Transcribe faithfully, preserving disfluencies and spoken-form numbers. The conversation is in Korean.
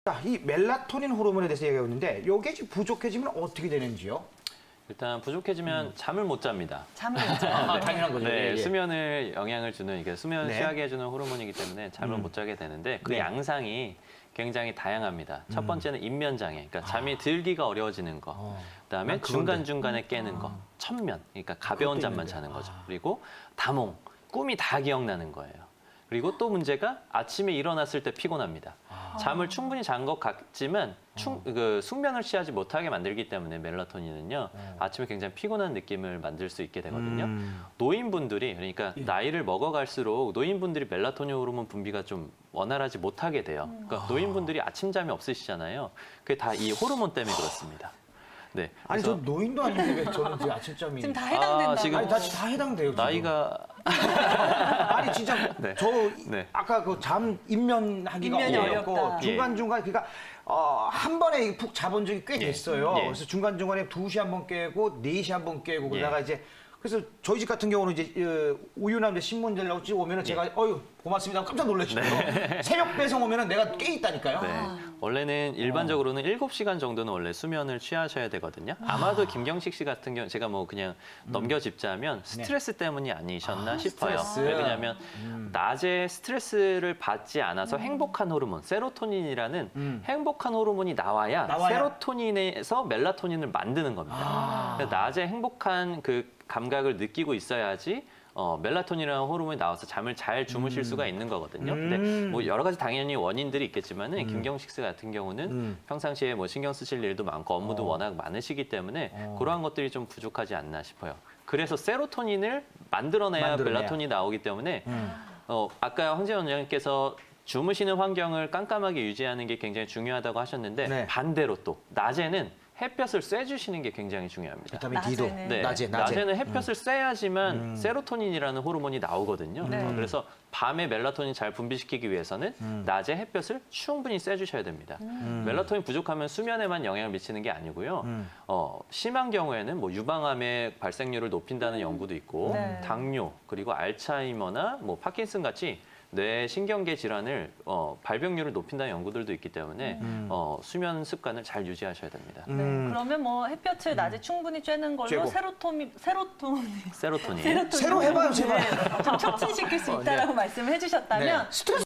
자, 이 멜라토닌 호르몬에 대해서 얘기하고 있는데 이게 지금 부족해지면 어떻게 되는지요? 일단 부족해지면 음. 잠을 못 잡니다. 잠을 못 자요. 아, 당연한 거죠. 네, 예, 예. 수면을 영향을 주는 이게 수면 네. 취하게 해주는 호르몬이기 때문에 잠을 음. 못 자게 되는데 그 네. 양상이 굉장히 다양합니다. 첫 음. 번째는 인면장애, 그러니까 잠이 들기가 어려워지는 거. 어. 그다음에 난 그건데. 중간 중간에 깨는 거, 천면, 그러니까 가벼운 그것도 잠만 있는데. 자는 거죠. 아. 그리고 다몽, 꿈이 다 기억나는 거예요. 그리고 또 문제가 아침에 일어났을 때 피곤합니다. 아. 잠을 충분히 잔 것 같지만 충, 어. 그 숙면을 취하지 못하게 만들기 때문에 멜라토닌은요 어. 아침에 굉장히 피곤한 느낌을 만들 수 있게 되거든요. 음. 노인분들이 그러니까 예. 나이를 먹어갈수록 노인분들이 멜라토닌 호르몬 분비가 좀 원활하지 못하게 돼요. 그러니까 노인분들이 아침잠이 없으시잖아요. 그게 다 이 호르몬 때문에 그렇습니다. 네. 아니 저 그래서 노인도 아닌데 왜 저는 지금 아침잠이 지금 다 해당된다고. 아, 지금 아니 다, 다 해당돼요. 지금. 나이가 아니 진짜 네. 저 네. 아까 그 잠 입면하기가 입면이 어렵고 어렵다. 중간 중간 그러니까 어, 한 번에 푹 자본 적이 꽤 예. 됐어요. 예. 그래서 중간 중간에 두 시 한 번 깨고 네 시 한 번 깨고 그러다가 예. 이제 그래서 저희 집 같은 경우는 이제 어, 우유나 이제 신문 들라고 집 오면은 제가 어유 고맙습니다 하고 깜짝 놀라시고요. 새벽 배송 오면은 내가 깨 있다니까요. 네. 원래는 일반적으로는 일곱 시간 정도는 원래 수면을 취하셔야 되거든요. 아마도 김경식 씨 같은 경우 제가 뭐 그냥 넘겨짚자면 스트레스 때문이 아니셨나 아, 싶어요. 스트레스. 네, 왜냐하면 음. 낮에 스트레스를 받지 않아서 행복한 호르몬, 세로토닌이라는 음. 행복한 호르몬이 나와야, 나와야? 세로토닌에서 멜라토닌을 만드는 겁니다. 아. 그러니까 낮에 행복한 그 감각을 느끼고 있어야지 어, 멜라토닌이라는 호르몬이 나와서 잠을 잘 주무실 수가 있는 거거든요. 음. 근데 뭐 여러 가지 당연히 원인들이 있겠지만은 음. 김경식 씨 같은 경우는 음. 평상시에 뭐 신경 쓰실 일도 많고 업무도 어. 워낙 많으시기 때문에 어. 그러한 것들이 좀 부족하지 않나 싶어요. 그래서 세로토닌을 만들어내야 만들어내야. 멜라토닌이 나오기 때문에 음. 어, 아까 황재원 원장님께서 주무시는 환경을 깜깜하게 유지하는 게 굉장히 중요하다고 하셨는데 네. 반대로 또 낮에는 햇볕을 쐬주시는 게 굉장히 중요합니다. 비타민 D도 낮에는. 네, 낮에 낮에 낮에는 햇볕을 쐬야지만 음. 세로토닌이라는 호르몬이 나오거든요. 네. 어, 그래서 밤에 멜라토닌 잘 분비시키기 위해서는 음. 낮에 햇볕을 충분히 쐬주셔야 됩니다. 음. 멜라토닌 부족하면 수면에만 영향을 미치는 게 아니고요. 음. 어, 심한 경우에는 뭐 유방암의 발생률을 높인다는 연구도 있고 네. 당뇨 그리고 알츠하이머나 뭐 파킨슨 같이 뇌 신경계 질환을 어, 발병률을 높인다는 연구들도 있기 때문에 음. 어, 수면 습관을 잘 유지하셔야 됩니다. 네, 음. 그러면 뭐 햇볕을 낮에 충분히 쬐는 걸로 쬐고. 세로토닌, 세로토닌, 세로토닌. 세로토닌 새로 해봐요, 제발. 좀 촉진시킬 수 있다라고 말씀을 해주셨다면 네. 스트레스